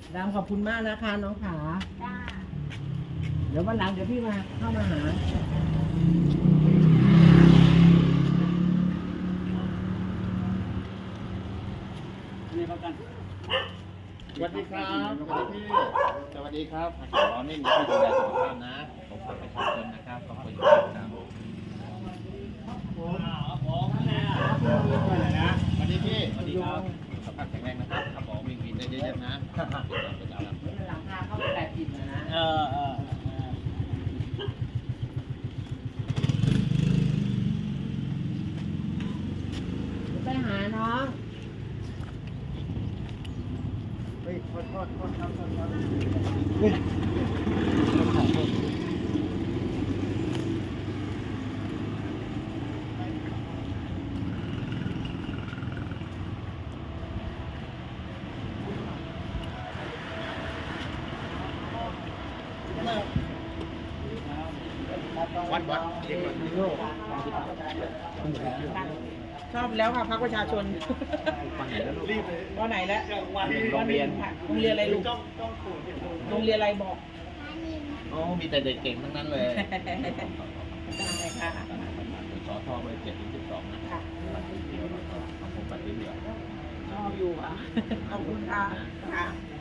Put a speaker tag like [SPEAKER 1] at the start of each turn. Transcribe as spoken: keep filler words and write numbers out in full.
[SPEAKER 1] ดำขอบคุณมากนะคะน้องขา
[SPEAKER 2] จ้า
[SPEAKER 1] เดี๋ยววันหลังเดี๋ยวพี่มาเข้ามาหานี่ประกัน
[SPEAKER 3] สวัสดีครับสวัสดีพี่สวัสดีครับขอนี่มีที่ดูแลสุขภาพนะผมฝากประชาชนนะครับขอบคุณครับสวัสดีพี่สวัสดีครับสุขภาพแข็งแรงนะครับขับออกวิ่งวินได้เยอะๆนะเป็นเราเป็นเรา
[SPEAKER 1] หลังคาเข้าไปแปดสิบนะนะ
[SPEAKER 3] เออเออ
[SPEAKER 1] ไปหาน้อง
[SPEAKER 3] เฮ้ยโทษโทษโทษครับโทษครับวัดวัดเด็กวัด
[SPEAKER 4] ชอบแล้วค่ะพักประชาชน
[SPEAKER 3] ฟังไหนแล้วลูกรีบเลย
[SPEAKER 4] วันไหนแล้ว
[SPEAKER 3] โรงเรียน
[SPEAKER 4] ค่ะโรงเรียนอะไรลูกโรงเรียนอะไรบอก
[SPEAKER 3] โอ้มีแต่เด็กเก่งทั้งนั้นเลย
[SPEAKER 4] ได้ค่ะ
[SPEAKER 3] สอทอเบอร์เจ็ดถึงสิบสองนะปัดเดียวของผมปัดเดียว
[SPEAKER 4] ชอบอยู่ค่ะขอบคุณค่ะค่ะ
[SPEAKER 3] ค